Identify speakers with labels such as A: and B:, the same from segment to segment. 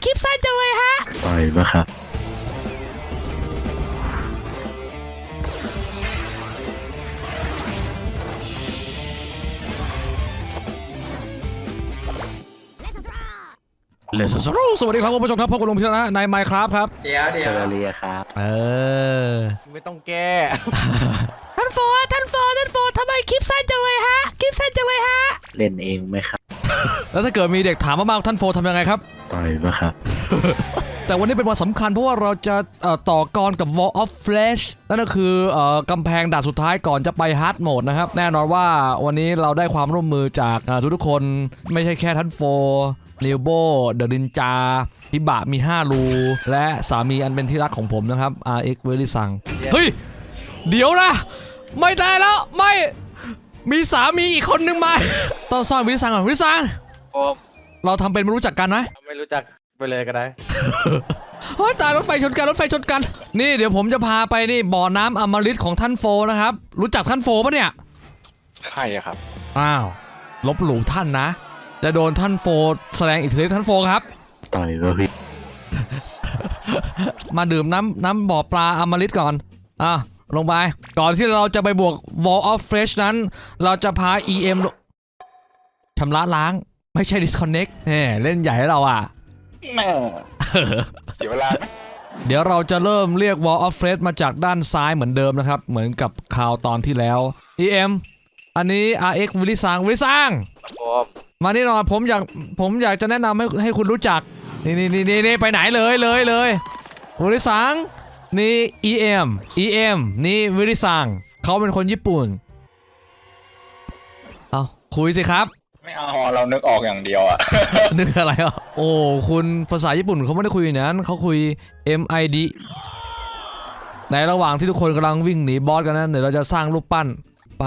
A: คลิปสั้นจังเลยฮะ
B: ปล่อยปะครับ
A: เลสสรูสวัสดีครับคุณผู้ชมครับพบกับลุงพิชนะใน Minecraft ครับ
C: เดี๋ยว
B: เทอร์เรียครับ
C: ไม่ต้องแก้
A: ท่านโฟทำไมคลิปสั้นจังเลยฮะคลิปสั้นจังเลยฮะ
B: เล่นเองไหมครับ
A: แล้วถ้าเกิดมีเด็กถามมากๆท่านโฟทำยังไงครับ
B: ปล่อยปะครับ
A: แต่วันนี้เป็นวันสำคัญเพราะว่าเราจะต่อกรกับ Wall of Flesh นั่นก็คือกำแพงด่านสุดท้ายก่อนจะไป Hard Mode นะครับแน่นอนว่าวันนี้เราได้ความร่วมมือจากทุกคนไม่ใช่แค่ท่านโฟนิวโบเดอะดินจาฮิบะมี5รูและสามีอันเป็นที่รักของผมนะครับ RX เวลิซังเฮ้ยเดี๋ยวนะไม่ได้แล้วไม่มีสามีอีกคนนึงมาต้องซ่อนวิลิซังก่อนวิลิซังเราทำเป็นไม่รู้จักกันไหม
C: ไม่รู้จักไปเลยก็ได้
A: เฮ้ยตายรถไฟชนกันนี่เดี๋ยวผมจะพาไปนี่บ่อน้ำอมฤตของท่านโฟนะครับรู้จักท่านโฟปะเนี่ย
C: ใครอะครับ
A: อ้าวลบหลู่ท่านนะจะโดนท่านโฟแสดงอิทธิฤทธิ์ท่านโฟครับ
B: ต่อยปะพี่
A: มาดื่มน้ำบ่อปลาอมฤตก่อนลงไปก่อนที่เราจะไปบวก Wall of Flesh นั้นเราจะพา EM ชำระล้างไม่ใช่ disconnect เล่นใหญ่ให้เราอ่ะ
C: แม่เสียเวลา
A: เดี๋ยวเราจะเริ่มเรียก Wall of Flesh มาจากด้านซ้ายเหมือนเดิมนะครับเหมือนกับคราวตอนที่แล้ว EM อันนี้ RX วิลิซังมานี่หน่อยผมอยากจะแนะนำให้คุณรู้จักนี่ไปไหนเลยวิลิซังนี่ EM นี่วิลิซังเขาเป็นคนญี่ปุ่นเอาคุยสิครับ
C: ไม่เอาเรานึกออกอย่างเดียวอะ
A: นึกอะไรอ่ะโอ้คุณภาษาญี่ปุ่นเขาไม่ได้คุยอย่างนั้นเขาคุย MID ในระหว่างที่ทุกคนกำลังวิ่งหนีบอสกันนั้นเดี๋ยวเราจะสร้างรูปปั้น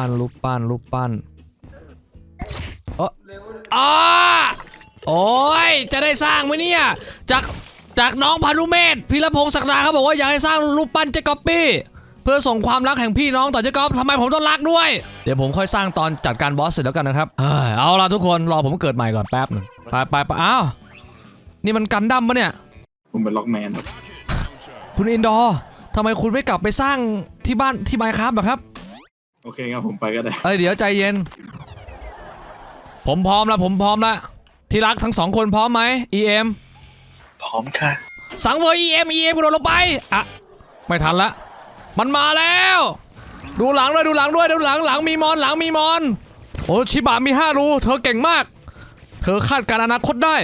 A: โอ้ยจะได้สร้างไหมเนี่ยจากน้องพานุเมธพีรพงศ์ศักดาเขาบอกว่าอยากให้สร้างรูปปั้นเจ๊ก๊อปปี้เพื่อส่งความรักแห่งพี่น้องต่อเจ๊ก๊อปทำไมผมต้องรักด้วยเดี๋ยวผมค่อยสร้างตอนจัดการบอสเสร็จแล้วกันนะครับเอาล่ะทุกคนรอผมเกิดใหม่ก่อนแป๊บหนึ่งไปอ้าวนี่มันกันดั้มปะเนี่ย
C: ผมเป็นล็อกแมนครับ
A: คุณอินดอร์ทำไมคุณไม่กลับไปสร้างที่บ้านที่ไมค์ครับครับ
C: โอเคครับผมไปก็ได้
A: เดี๋ยวใจเย็นผมพร้อมแล้วที่รักทั้ง2คนพร้อมไหม EM
C: พร้อมค่ะ
A: สังเวย EM กระโดดลงไปไม่ทันละมันมาแล้วดูหลังด้วยหลังมีมอนโอ้ชิบะมี5รูเธอเก่งมากเธอคาดการณ์อนาคตได้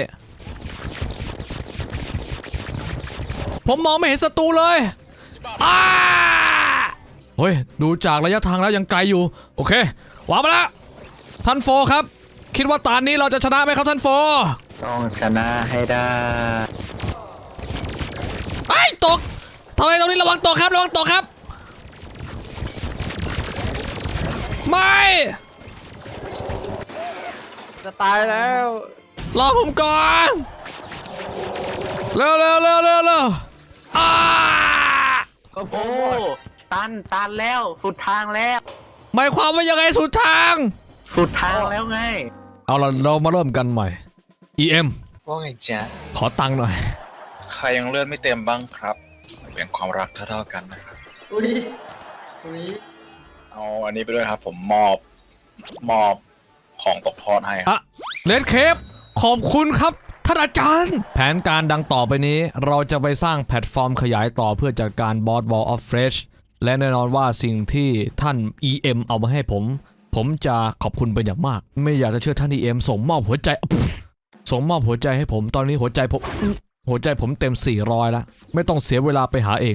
A: ผมมองไม่เห็นศัตรูเลยเฮ้ยดูจากระยะทางแล้วยังไกลอยู่โอเควางมาแล้วท่านโฟครับคิดว่าตอนนี้เราจะชนะไหมครับท่านโฟ
B: ต้องชนะให้ได้
A: ตกทำไมตรงนี้ระวังตกครับไม่
C: จะตายแล้ว
A: รอผมก่อนเร็ว
B: โอ้ตันแล้วสุดทางแล้ว
A: หมายความว่ายังไงสุดทาง
B: แล้วไง
A: เอาเรามาเริ่มกันใหม่ EM
C: ว่าไงจ๊ะ
A: ขอตังค์หน่อย
C: ใครยังเลือดไม่เต็มบ้างครับเป็นความรักเท่ากันนะครับอุ้ยเอาอันนี้ไปด้วยครับผมมอบของตกทอดให้
A: เลดเคปขอบคุณครับท่านอาจารย์แผนการดังต่อไปนี้เราจะไปสร้างแพลตฟอร์มขยายต่อเพื่อจัดการบอส Wall of Flesh และแน่นอนว่าสิ่งที่ท่าน EM เอามาให้ผมจะขอบคุณเป็นอย่างมากไม่อยากจะเชื่อท่าน EM ส่งมอบหัวใจให้ผมตอนนี้หัวใจผมเต็ม400แล้วไม่ต้องเสียเวลาไปหาเอง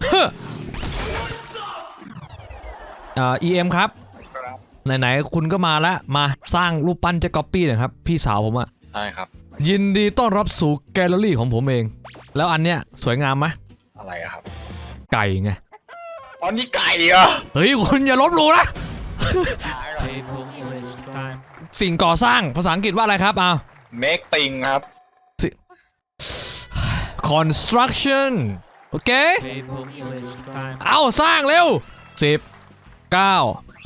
A: EM ครับไหนๆคุณก็มาแล้วมาสร้างรูปปั้นเจ๊ก๊อปปี้หน่อยครับพี่สาวผมอะ
C: ใช่ครับ
A: ยินดีต้อนรับสู่แกลเลอรี่ของผมเองแล้วอันเนี้ยสวยงามไหม
C: อะไรครับ
A: ไก่ไง
C: อันนี้ไก่เหรอ
A: เฮ้ยคุณอย่าลบหลู่นะสิ่งก่อสร้างภาษาอังกฤษว่าอะไรครับ
C: make thing ครับ
A: construction โอเคเอาสร้างเร็ว10 9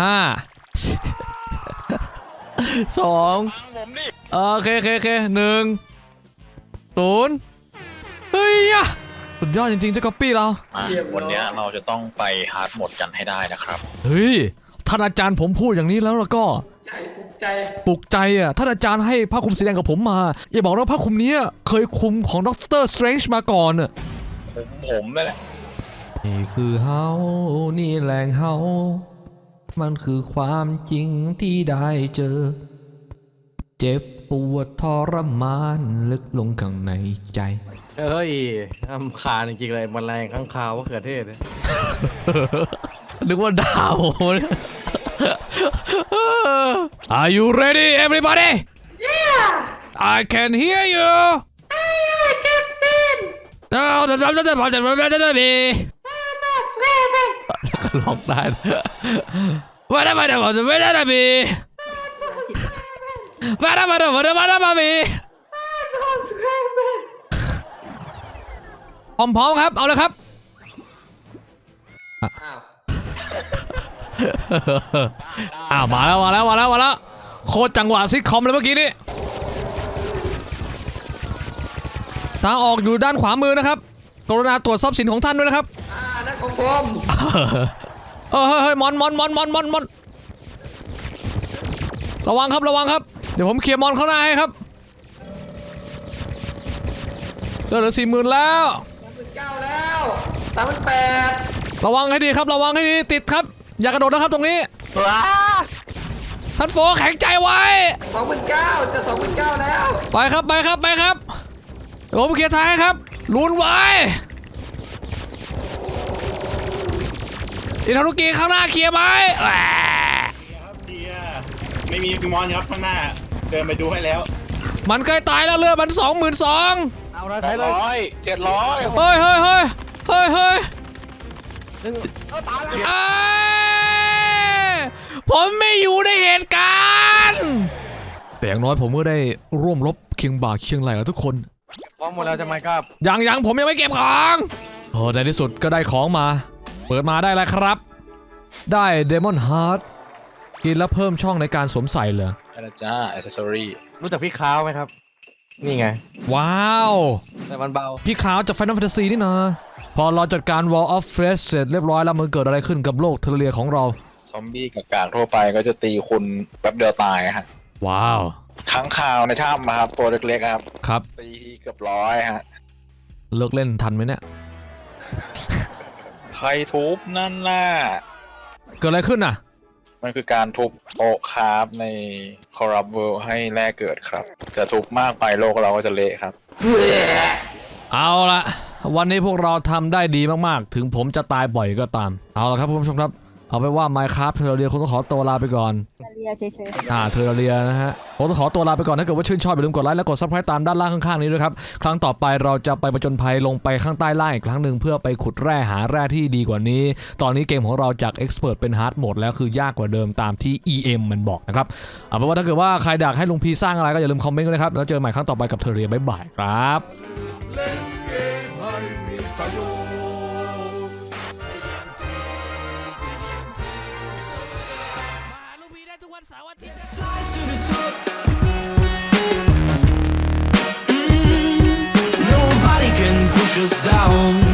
A: 5 2โอเค1 0 ฮ้ยอะสุดยอดจริงๆเจ้าก๊อปปี้เรา
C: วันนี้เราจะต้องไปฮาร์ดโหมดกันให้ได้นะครับ
A: เฮ้ยท่านอาจารย์ผมพูดอย่างนี้แล้วก็ปลุกใจอ่ะท่านอาจารย์ให้ผ้าคลุมสีแดงกับผมมาอย่าบอกนะผ้าคลุมนี้เคยคลุมของด็อกเตอร์สเตรนจ์มาก่อนอ่ะ
C: ผมนั่นแหละ
A: นี่คือเฮานี่แหล่งเฮามันคือความจริงที่ได้เจอเจ็บปวดทรมานลึกลงข้างในใจ
D: เฮ้ยรำคาญจริงๆเลยแมลงข้างคาวว่าเขือเทศเนี่ย
A: นึกว่าดาว Are you ready everybody Yeah I can hear you No จะมีร้องได้ว่าได้มีพร้อมๆครับเอาเลยครับอ้าวมาแล้วโคตรจังหวะซิทคอมเลยเมื่อกี้นี้ทางออกอยู่ด้านขวามือนะครับกรุณาตรวจทรัพย์สินของท่านด้วยนะครับ
D: นั่นของผม
A: เฮ้ยมอนระวังครับเดี๋ยวผมเคลียร์มอนข้างหน้าให้ครับเหลือ 40,000 แล้ว
D: 39แล้ว38
A: ระวังให้ดีครับระวังให้ดีติดครับอย่ากระโดดนะครับตรงนี้
B: ว้า
A: ท่านโฟแข็งใจไว้
D: 29จะ29แล้ว
A: ไปครับเดี๋ยวผมเคลียร์ท้ายครับลุ้นไว้อินทารุกิข้างหน้าเคลียร์ไหม
E: ครับเคลียร์ไม่มีมอนครับข้างหน้าเดินไปดูให้แล้ว
A: มันใกล้ตายแล้วเลือดมัน 22,000
D: เอาละไทยเลย
C: 700
A: เฮ้ยผมไม่อยู่ในเหตุการณ์แต่อย่างน้อยผมก็ได้ร่วมรบเคียงบ่าเคียงไหล่กับทุกคน
D: พร้อมหมดแล้วจะไหมครับ
A: ยังผมยังไม่เก็บของในที่สุดก็ได้ของมาเปิดมาได้แล้วครับได้เดมอนฮาร์ดกินแล้วเพิ่มช่องในการสวมใส่เลย
C: นะจ้าอ c เซสซอรี่
D: รู้จักพี่ค้าวไหมครับนี่ไง
A: ว้าว
D: แต่มันเบา
A: พี่ขาวจาก Final Fantasy นี่นะพอเราจัดการ Wall of Flesh เสร็จเรียบร้อยแล้วมันเกิดอะไรขึ้นกับโลกเทอร์เรียของเรา
C: ซอมบี้กับกากทั่วไปก็จะตีคุณแป๊บเดียวตายฮะ
A: ว้าว
C: ค้างคาวในถ้ำมาครับตัวเล็กๆ
A: ครับ
C: ตีเกือบ100ฮะ
A: เลิกเล่นทันไหมเนี่ย
C: ใครทุบนั่นน่ะ
A: เกิดอะไรขึ้นน่ะ
C: มันคือการทุบโต๊ะคราฟในคอรับเวิลด์ให้แร่เกิดครับจะทุบมากไปโลกเราก็จะเละครับ
A: เอาละวันนี้พวกเราทำได้ดีมากๆถึงผมจะตายบ่อยก็ตามเอาละครับคุณผู้ชมครับเอาไปว่า Minecraft เทอร์เรียคงต้องขอตัวลาไปก่อน
F: เฉย
A: เทอร์เรียนะฮะผมต้องขอตัวลาไปก่อนถ้าเกิดว่าชื่นชอบอย่าลืมกดไลค์และกด Subscribe ตามด้านล่างข้างๆนี้ด้วยครับครั้งต่อไปเราจะไปผจญภัยลงไปข้างใต้ล่างอีกครั้งหนึ่งเพื่อไปขุดแร่หาแร่ที่ดีกว่านี้ตอนนี้เกมของเราจาก Expert เป็น Hard Mode แล้วคือยากกว่าเดิมตามที่ EM มันบอกนะครับเอาเป็นว่าถ้าเกิดว่าใครอยากให้ลุงพีสร้างอะไรก็อย่าลืมคอมเมนต์กันนะครับแล้วเจอกันใหม่ครั้งต่อไปกับเทอร์เรียบ๊ายบายครับ
G: Nobody can push us down